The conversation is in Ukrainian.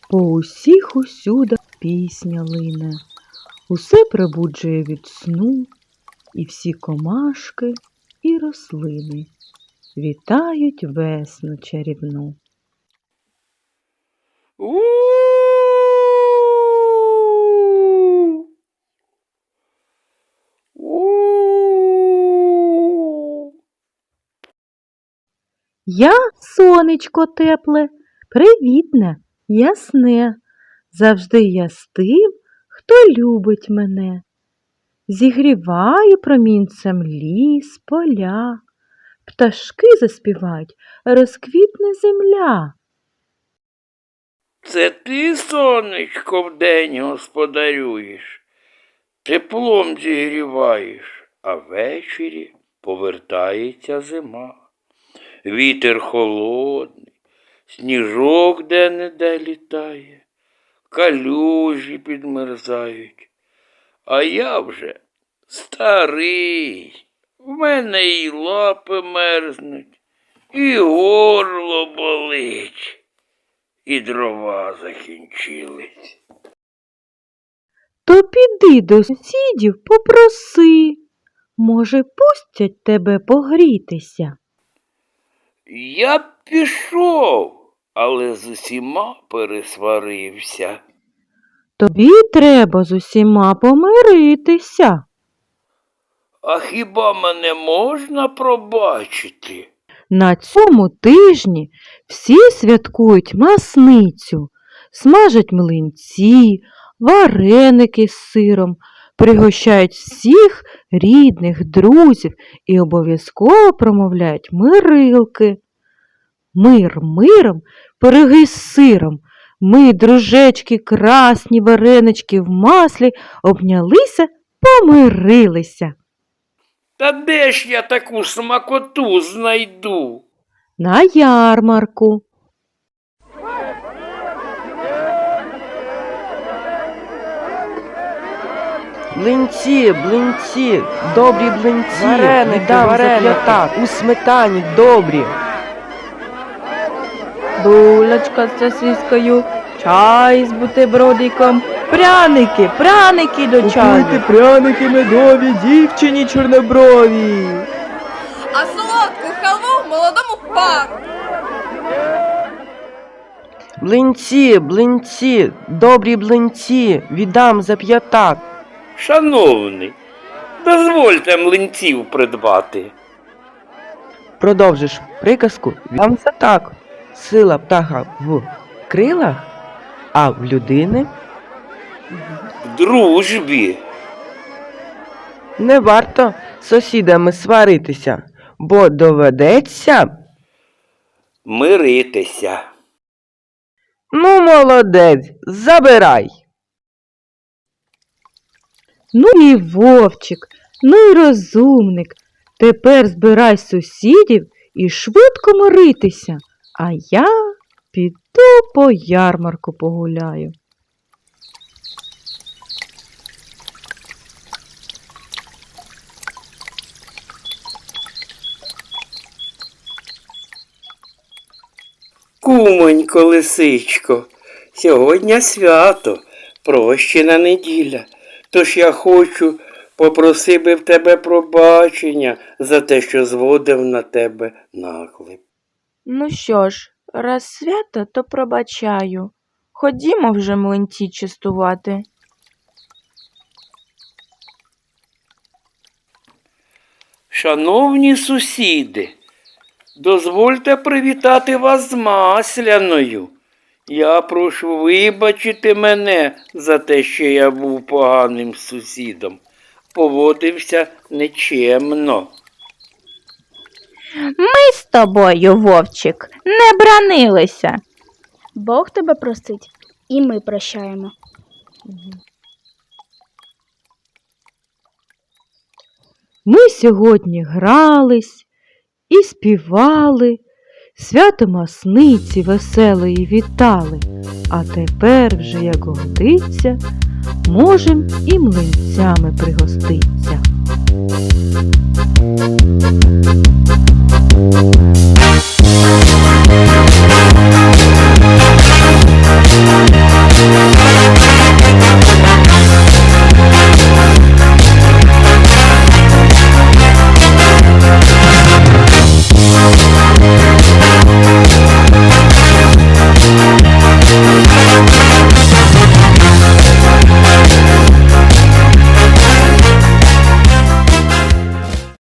По усіх усюдах пісня лине, усе пробуджує від сну, і всі комашки, і рослини вітають весну чарівну. Я сонечко тепле, привітне, ясне, завжди я з тим, хто любить мене. Зігріваю промінцем ліс, поля, пташки заспівають, розквітне земля. Це ти, сонечко, вдень господарюєш, теплом зігріваєш, а ввечері повертається зима. Вітер холодний, сніжок де-не-де літає, калюжі підмерзають. А я вже старий, в мене і лапи мерзнуть, і горло болить, і дрова закінчились. То піди до сусідів попроси, може, пустять тебе погрітися. Я б пішов, але з усіма пересварився. Тобі треба з усіма помиритися. А хіба мене можна пробачити? На цьому тижні всі святкують Масницю, смажать млинці, вареники з сиром, пригощають всіх рідних, друзів і обов'язково промовляють мирилки. Мир миром, пироги з сиром, ми, дружечки, красні варенички в маслі, обнялися, помирилися. Та де ж я таку смакоту знайду? На ярмарку. Блинці, блинці, добрі блинці, Вареники, віддам за 5, у сметані добрі. Булочка з сосискою, чай з бутербродиком, пряники, пряники до чаю. Купуйте пряники медові, дівчині чорноброві. А солодку халву молодому пару. Блинці, блинці, добрі блинці, віддам за 5. Шановний, дозвольте млинців придбати. Продовжиш приказку, віддам за так. Сила птаха в крилах, а в людини В дружбі. не варто з сусідами сваритися, бо доведеться. Миритися. Ну, молодець, забирай. Ну і вовчик, ну і розумник. Тепер збирай сусідів і швидко миритися, а я піду по ярмарку погуляю. Кумонько, лисичко, сьогодні свято, прощена неділя. Тож я попросив би в тебе пробачення за те, що зводив на тебе наклеп. Ну що ж, раз свято, то пробачаю. Ходімо вже млинці частувати. Шановні сусіди, дозвольте привітати вас з Масляною. Я прошу вибачити мене за те, що я був поганим сусідом. Поводився нечемно. Ми з тобою, вовчик, не бранилися. Бог тебе простить, і ми прощаємо. Ми сьогодні грались і співали, свято Масниці веселої вітали, а тепер вже, як годиться, можем і млинцями пригоститься.